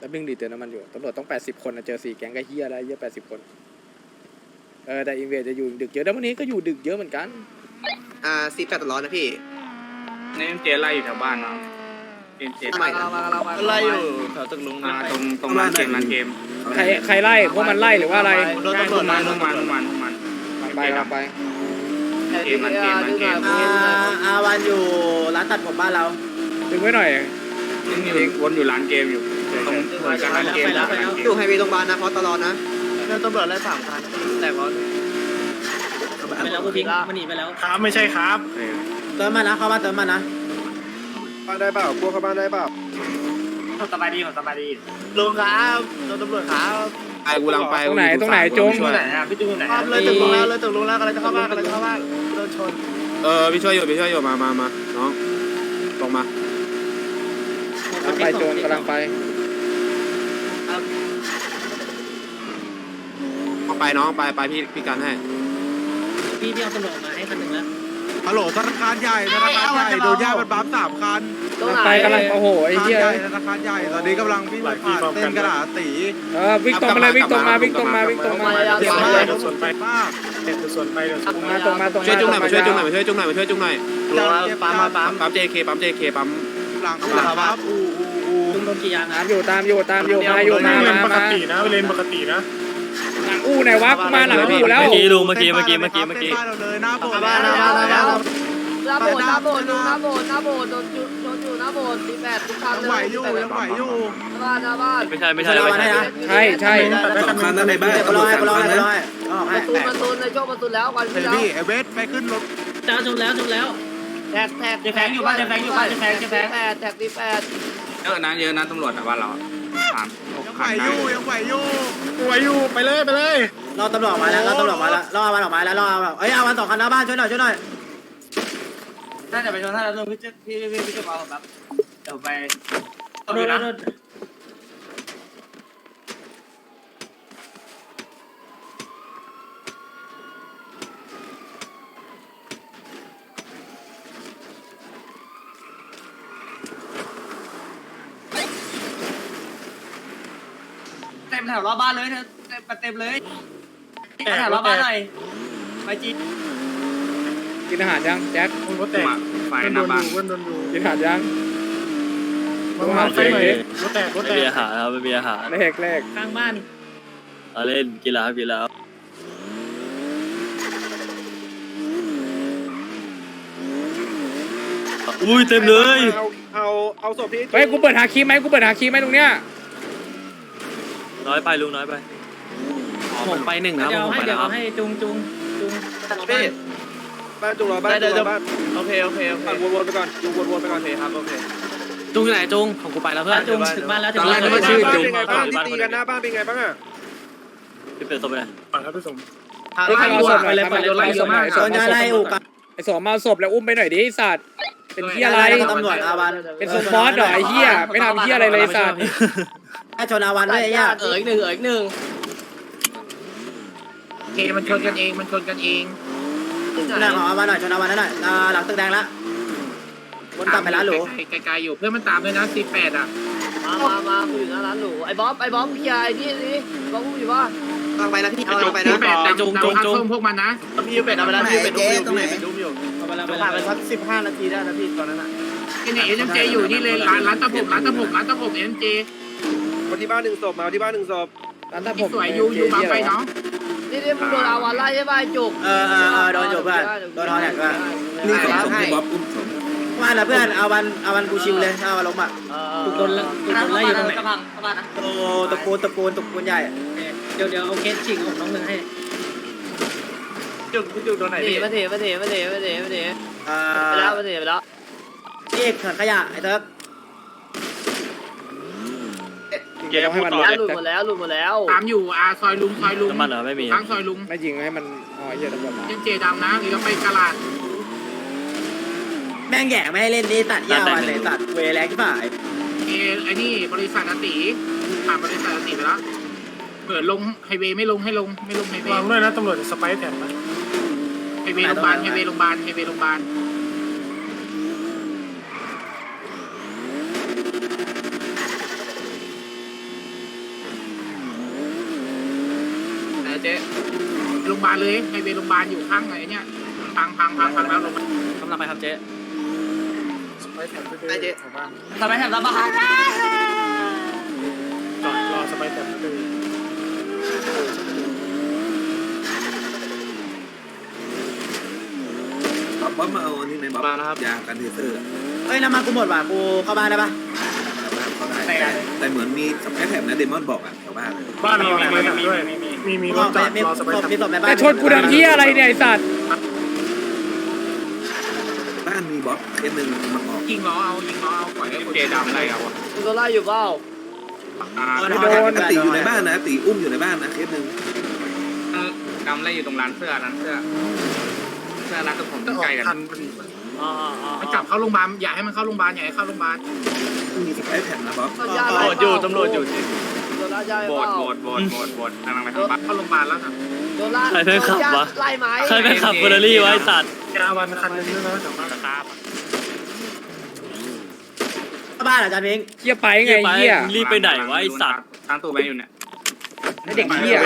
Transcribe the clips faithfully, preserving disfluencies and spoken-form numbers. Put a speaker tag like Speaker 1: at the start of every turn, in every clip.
Speaker 1: แล้วดึงดีเตือนน้ำมันอยู่ตำรวจต้องแปดสิบคนนะเจอสี่แก๊งก็เฮียได้เยอะแปดสิบคนเออแต่อินเวสจะอยู่ดึกเยอะแล้ววันนี้ก็อยู่ดึกเยอะเหมือนกัน
Speaker 2: อ่าสี่แปดตลอดนะพี่
Speaker 3: นี่เจไล่อยู่แถวบ้านเนาะเจเจ
Speaker 2: ใหม่ไล่อยู่แถวตึกลุง
Speaker 3: มาตรงตรงร้านเกมร้านเกม
Speaker 1: ใครใครไล่พวกมันไล่หรือว่าอะไร
Speaker 3: โดนตำรวจมาลงมาลงมาลงมา
Speaker 1: ไปไป
Speaker 3: เกมร้านเกมร้านเกม
Speaker 2: อาวันอยู่ร้านตัดผมบ้านเรา
Speaker 1: ดึงไว้หน่อย
Speaker 3: ยังอยู่วนอยู่ร้านเกมอยู่ตรงเหมือนกับร้านเกม
Speaker 2: อยู่ไฮเวย์โรงพยาบาลนะเพราะตลอดนะแล้วตำรวจไล่สามคันแต่เพราะ
Speaker 4: ไปแล้วพิงมันหนีไปแล้ว
Speaker 5: ครับไม่ใช่ครับ
Speaker 2: เติมมานะเข้ามาเติมมานะ
Speaker 5: บ้านได้เปล่ากลัวเข้าบ้านได้เปล่า
Speaker 3: สบายดีสบายดี
Speaker 2: ลุงครับโดนตำรวจครับ
Speaker 3: ไอ้กูลังไป
Speaker 1: ตรงไหนตรงไหนจง
Speaker 3: ตรงไหนอ่ะพี่จุ้งตรงไหน
Speaker 2: เลยตึกลุงแล้วเลยตึกลุงแล้วกำลังจะเข้าบ้านกำลังจะเข้าบ้านโดนชน
Speaker 3: เออพี่ช่วยอยู่พี่ช่วยอยู่มามามาน้องลงมา
Speaker 1: ไปโจนกำลังไป
Speaker 3: เอาไปน้องไปไปพี่พี่กันให้
Speaker 4: พี่พี่เอาตำรวจมาให้คันหนึ่งแล้ว
Speaker 5: ฮัลโหลธนาคารใหญ่ธนาคารใหญ่โดนแยกเป็นบัมสามคัน
Speaker 1: ไปกำลังโอ้โหไอ้เหี้ย
Speaker 5: ธนาคารใหญ่ตอนนี้กำลังวิ่งผ่านเส้นกระดาษสี
Speaker 1: เออวิ่งตรงมาเลยวิ่งตรงมาวิ่งตรงมาวิ่งตรงมา
Speaker 5: เดี๋ยวมาเดี๋ยวส่วนไปมากเดี๋ยวส่วนไปเดี๋ยว
Speaker 1: มาตรงมาตรงมา
Speaker 3: ช่วยจุ้งหน่อยมาช่วยจุ้งหน่อยมาช่วยจุ้งหน่อยมาช่วยจุ้งหน่อย
Speaker 5: ปั๊มปั๊ม
Speaker 3: ปั๊มเจเคปั๊มเจเคปั๊ม
Speaker 5: หลังหลังครับอูอูอู
Speaker 4: ลุงโดนกี่ยาง
Speaker 1: ตามอยู่ตามอยู่ตามอยู่มาอยู่มามา
Speaker 5: ปกตินะเลนปกตินะ
Speaker 1: หลังอู้ไหนวะกูมาหลังอู้แล้ว
Speaker 6: เมื่อกี้ลุงเมื่อกี้เมื่อกี้เมื่อกี้เมื่อกี้
Speaker 5: เลยหน้าโบสถ์ห
Speaker 2: น้า
Speaker 5: หน้าโบสถ์
Speaker 2: หน้าโบสถ์หน้าโบสถ์หน้าโบสถ์หน้าโบสถ์หน้าโบสถ์โดนจุดโดนอยู่หน้าโบสถ์สี่แปดทุกคันเลย
Speaker 5: ยังไหวอยู่ยังไหวอยู่
Speaker 2: บ้านหน้าบ้าน
Speaker 6: ไม่ใช่ไม่ใช่ไม่ใช่
Speaker 1: ใช่ใช่
Speaker 2: สองคันนั่นในบ้านตำรวจสามคันนะประตูประตูในช่วงประตูแล้ววันที่แล้ว
Speaker 5: พี่เอเวสไปขึ้นรถ
Speaker 4: จ้าจบแล้วจบแล้ว
Speaker 2: แท็กแท็ก
Speaker 4: จะแฝงอยู่บ้านจะแฝงอยู่บ้านจะแฝงจะแฝง
Speaker 2: แปดแท็กสี่แปด
Speaker 3: เยอะนะเยอะนะตำรวจแต่ว่าเราสาม
Speaker 5: ยังไหวอยู่ยังไหวอยู่ไหวอยู่ไปเลยไปเลย
Speaker 2: รอตำรวจมาแล้วรอตำรวจมาแล้วรออาวันออกมาแล้วรอเอ้ยอาวันสองคันหน้าบ้านช่วยหน่อยช่วยหน่อย
Speaker 4: น่าจะไปชนท่าแล้วลุงพี่พี่พี่พี่จะมาผมแบบเดี๋ยวไปเอาดูนะเต็มแถวรอบบ้านเลยเธอเต็มเต็มเลยแถวรอบบ้านหน่อยไปจี
Speaker 1: กินอาหารยังแจ็ค
Speaker 5: รถแตก
Speaker 3: ไฟหน้าบ้าน
Speaker 1: กินอาหารยัง
Speaker 5: มาไฟหน่อยรถแตกรถแตก
Speaker 6: ไม่มีอาหารครับไม่มีอาหาร
Speaker 1: เลขเลข
Speaker 4: ข้างบ้าน
Speaker 6: เอาเล่นกีฬากีฬาอุ้ยเต็มเลย
Speaker 5: เอาเอาเอาศพพี่
Speaker 1: เฮ้ยกูเปิดหาคีย์ไหมกูเปิดหาคีย์ไหมตรงเนี้ย
Speaker 6: น้อยไปลุงน้อยไปผมไปหนึ่งนะผมไป
Speaker 4: เดี๋ยว
Speaker 6: แล้ว
Speaker 4: ให้จุงจุงจุง
Speaker 5: พี่บ้านจุงรอบ้านจุงรอบ้าน
Speaker 2: โอเคโอเคโอเค
Speaker 5: วนๆไปก่อนจุงวนๆไปก่อน
Speaker 2: โอเคครับโอเค
Speaker 6: จุงอยู่ไหนจุงของกูไปแล้วเพื่อน
Speaker 4: จุงถึงบ้านแล้วถึงบ้าน
Speaker 5: แล้วชื่อจุงบ้านที่ตีกันหน้าบ้านเป็นไงบ้างอ่ะ
Speaker 6: พี่เป็นศพไปไหน
Speaker 5: ปั่นครับพี่สม
Speaker 1: ไอ้เอาศพไปเลยไปเลยไปศพหน่อยศพมาศพไอ้สองมาศพแล้วอุ้มไปหน่อยดิไอ้สัตว์เป็นเหี้ยอะไร
Speaker 2: ตำรวจอาวัน
Speaker 1: เป็นสปอร์ตเหรอไอ้เหี้ยไม่ทำเหี้ยอะไรเลยสัตว์
Speaker 2: แค่ชนอาวันด้วยไอ้ย่าเอ๋ยหนึ่งเอ๋ยหนึ่ง
Speaker 3: เคมันชนกันเองมันชนกันเอง
Speaker 2: หน้าของอาวันหน่อยชนอาวันนั่นหน่อยหลังตึกแดงละวนกลับไปร้านหรู
Speaker 3: ไกลๆอยู่เพื่อนมันตามด้วยนะสี่แปดอ่ะ
Speaker 2: มามามาคุยอยู่หน้าร้านหรูไอ้บ๊อบไอ้บ๊อบพี่ใหญ่นี่นี่บ๊อบพูดอยู่ว่าฟังไปนะพี่เอาไปนะ
Speaker 3: ไอ้จุงจุงจุงพวกมันนะ
Speaker 2: พี่เป็ดเอาไปแล้วพี่เป็ดดูอยู่พี่เป็ดดูอยู่เอาไปแล้วผ่านไปสักสิบห้านาทีได้นะพี่ตอนนั้นอ่ะ
Speaker 3: ไอ้เนี่ยเอ็มเจอยู่นี่เลยร้านร้านตะผมร้านตะผมร้านตะผมเอ็มเจ
Speaker 5: มาที่บ้านหนึ่งศพมาที่บ้านหนึ่งศพ
Speaker 1: ร้านตะผม
Speaker 3: สวยอยู่อยู่บางไปเนาะ
Speaker 2: นี่นี่มึงโดนอาวันไล่ใช่ป่ะจุกเออเออเออโดนจุกเพื่อนโดนทอนแหกว่า
Speaker 7: นี่สองให้บ๊อบอุ้มสอง
Speaker 2: ว่าแล้วเพื่อนอาวันอาวันกูชิวเลยอาวันล้มอ่ะ
Speaker 4: ถูกโดนถูกโดนไล่อยู่ตรงไหน
Speaker 2: โอ้ตะโกนตะโกนตะโกนใหญ่
Speaker 4: เดี๋ยวเดี๋ยวเอาเคสฉีกของน้องหนึ่งให้
Speaker 2: จุกจุกโดนไหนพี่มาเถมาเถมาเถมาเถมาเถอ่าไปแล้วมาเถไปแล้วนี่ถังขยะไอ้เติ๊ก
Speaker 1: เกมให้มัน
Speaker 2: หลุดหมดแล้วหลุดหมดแล้ว
Speaker 3: ตามอยู่อาซอยลุงซอยลุง
Speaker 6: น้ำมันเหรอไม่มี
Speaker 3: ทั้งซอยลุง
Speaker 1: ไม่ยิงให้มันอ๋อเหี้ยตำรวจมา
Speaker 3: เอ็มเจดำนะหรือเราไปกลาด
Speaker 2: แม่งแย่ไม่ให้เล่นนี่ตัดยาวเลยตัดเวแรงที่ฝ่าย
Speaker 3: เอไอ้นี่บริษัทอติผ่านบริษัทอติไปแล้วเปิดลงไฮเวย์ไม่ลงให้ลงไม่ลงไฮเวย์
Speaker 5: วางด้วยนะตำรวจจะสไปร์แถมนะ
Speaker 3: ไฮเวย์โรงพยาบาลไฮเวย์โรงพยาบาลไฮเวย์โรงพยาบาล
Speaker 2: เจ๊
Speaker 3: โรงพยาบาลเลยไฮเวย์โรงพยาบาลอยู่ข้างไหนเนี่ยพังพังพังพังแล้วลงมาก
Speaker 6: ำลังไปครับเจ๊
Speaker 2: ไอเจ๊
Speaker 4: ทำไมแถบรับบ้าน
Speaker 5: จอดรอสไปแต่ไม่ได้
Speaker 7: บ๊อบบ๊อบมาเอาอันนี้ไหมบ๊อบยากันเทเซอร์
Speaker 2: เฮ้ยน้ำมันกูหมดว่ะกูเข้าบ้านได้ปะ
Speaker 7: เขาได้แต่แต่เหมือนมีสไปแท็บนะเดมอนบอกอ่ะแถวบ้าน
Speaker 5: บ้านเรามีมีด้วยมีมีรถจอดรอสไป
Speaker 2: มีศพในบ้าน
Speaker 1: แต่ชนกูทำเหี้ยอะไรเนี่ยไอ้สัตว์
Speaker 7: บ้านมีบ๊อบเคสหนึ่งมันออก
Speaker 3: ยิงล้อเอายิงล้อเอาปล่อยให้คนเจดำอะไรเอาอ่ะ
Speaker 2: กูโดนไล่อยู่เปล่า
Speaker 1: ไม่โดน
Speaker 7: ตีอยู่ในบ้านนะตีอุ้มอยู่ในบ้านนะเคสหนึ่ง
Speaker 3: ดำอะไรอยู่ตรงร้านเสื้อร้านเสื้อเสื้อร้านตรงผมใกล้กัน
Speaker 5: ทันพอดี
Speaker 6: อ๋ออ๋อ
Speaker 3: มันจับเข้าโรงพยาบาลอย่าให้มันเข้าโรงพยาบาลอย่าให้เข้าโรงพยาบาล
Speaker 7: มีสไปแท็บนะบ๊อบ
Speaker 2: ตำรวจอยู่ตำรวจอยู่โดนไล่ใหญ่
Speaker 3: โบ
Speaker 2: เป
Speaker 3: ด
Speaker 2: ล่า
Speaker 3: โบดโบดโบดโบดกำลังไปทางบ้านเข้าโรงพยาบาลแล้วนะ
Speaker 2: โดนไล่
Speaker 6: ใครเป็นขับวะ
Speaker 2: ไล่ไหม
Speaker 6: ใครเป็นขับเฟอร์รารี่วะไอ้สัตว์
Speaker 5: ยาวันคันนึงด้วยนะแถวบ้าน
Speaker 2: บ้านเหรอจ๊ะพิง
Speaker 1: เหี้ยไปไงไอ้เหี้ย
Speaker 6: รีบไปไหนวะไอ้สัตว์
Speaker 3: ทางตู้แบงค์อยู่เนี่ย
Speaker 1: ไอ้เด็กเหี้ย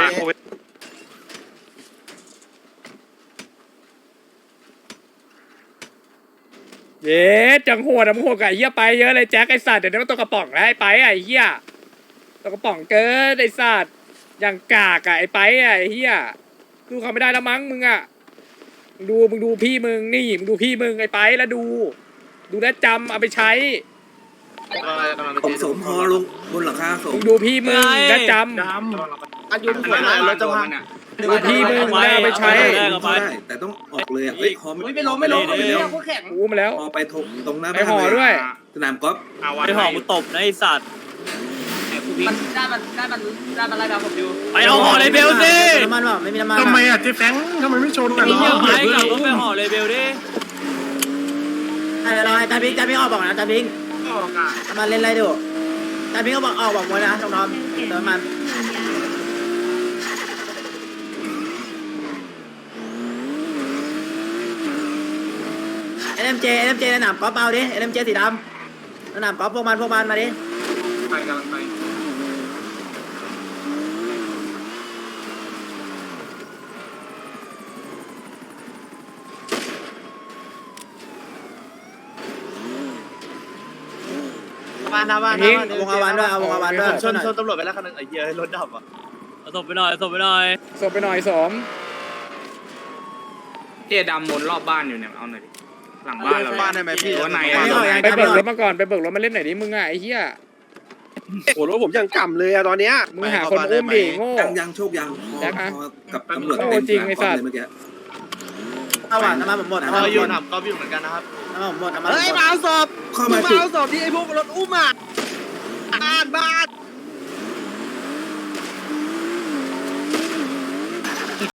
Speaker 1: เย้จังโหดอะมึงโหดกับไอ้เหี้ยไปเยอะเลยแจ็คไอ้สัตว์เดี๋ยวนี้มันตัวกระป๋องแล้วไอ้ไปอะไอ้เหี้ยตัวกระป๋องเกินไอ้สัตว์อย่างกากอะไอ้ไปอะไอ้เหี้ยดูเขาไม่ได้แล้วมั้งมึงอะมึงดูมึงดูพี่มึงนี่มึงดูพี่มึงไอ้ไปแล้วดู ดูแลวจำเอาไปใช้
Speaker 7: ผมสมพอลงบนหลังคาสม
Speaker 1: มึงดูพี่มึงและจ
Speaker 5: ด
Speaker 2: อายุหัวหน้ารถจะพัง
Speaker 1: ำดูพี่มึงแล้วเอาไปใช้
Speaker 7: ได้แต่ต้องออกเลยอ่ะเฮ้ยฮอไม่
Speaker 4: ไม่ล้มไม่ล้มไม่ล้มพวกแข่ง
Speaker 1: อู้มาแล้ว
Speaker 7: ฮอไปตรงหน้า
Speaker 1: ไปห่อด้วย
Speaker 7: สนามกอล์ฟ
Speaker 6: ไปห่อกูตบนะไอ้สัตว์
Speaker 4: มันได้มันได้มันได้มันไล่ดาวผมอยู่
Speaker 6: ไปเอาห่อเลยเบลสิ
Speaker 2: น้ำมันวะไม่มีน้ำมัน
Speaker 5: ทำไมอ่ะเจ๊แฟงทำไมไม่ชนอ่ะ
Speaker 6: ไอ้เหี้ยไปกลับรถไปห่อเลยเบลดิ
Speaker 2: ไอ้เราไอ้จ๊ะพิงจ๊ะพิงออกบอกนะจ๊ะพิง
Speaker 3: ออกอ่ะ
Speaker 2: น้ำมันเล่นอะไรดูจ๊ะพิงก็บอกออกบอกหมดนะน้องๆเติมมันเอ็มเจเอ็มเจในหนามกอล์ฟเอาดิเอ็มเจสีดำในหนามกอล์ฟพวกมันพวกมันมาดิ
Speaker 3: ไปกำลังไป
Speaker 2: บ้านนะบ้านนะวงอาวันด้วยเอาวงอาวันด้วย
Speaker 8: ชนชนตำรวจไปแล้วคันนึงไอ้เหี้ยรถดับอ่ะ
Speaker 6: เอาศพไปหน่อยเอาศพไปหน่อย
Speaker 1: ส่งไปหน่อยสม
Speaker 3: เจดำวนรอบบ้านอยู่เนี่ยเอาหน่อยดิหลังบ้านเรา
Speaker 8: บ้านได้ไหมพี่
Speaker 3: ตัวไหน
Speaker 1: ไปเบิกรถมาก่อนไปเบิกรถมาเล่นหน่อยดิมึงอ่ะไอ้เหี้ย
Speaker 8: โอ้รถผมยังกำเลยอะตอนเนี้ย
Speaker 1: มึงหาคนอุ้มดิโง่
Speaker 7: ยังยังโชคยังฮอฮอกับตำรวจเต็มเลยเมื่อกี้
Speaker 2: เอาว่ะน้ำมันผมหมดน้ำมัน
Speaker 8: เรา
Speaker 2: ผม
Speaker 8: อยู่
Speaker 2: หมด
Speaker 8: หนับก็อยู่เหมือนกันนะครับ
Speaker 2: น้ำมันผมหมดน้ำมันผม
Speaker 8: เฮ้ย
Speaker 2: หม
Speaker 8: มา
Speaker 2: ด
Speaker 8: เอาศพ
Speaker 7: เข้า
Speaker 8: มึ
Speaker 7: มาง
Speaker 8: มา
Speaker 7: จุด
Speaker 8: เอาศพที่ไอ้พวกรถอุ้มอ่ะบ้านบ้าน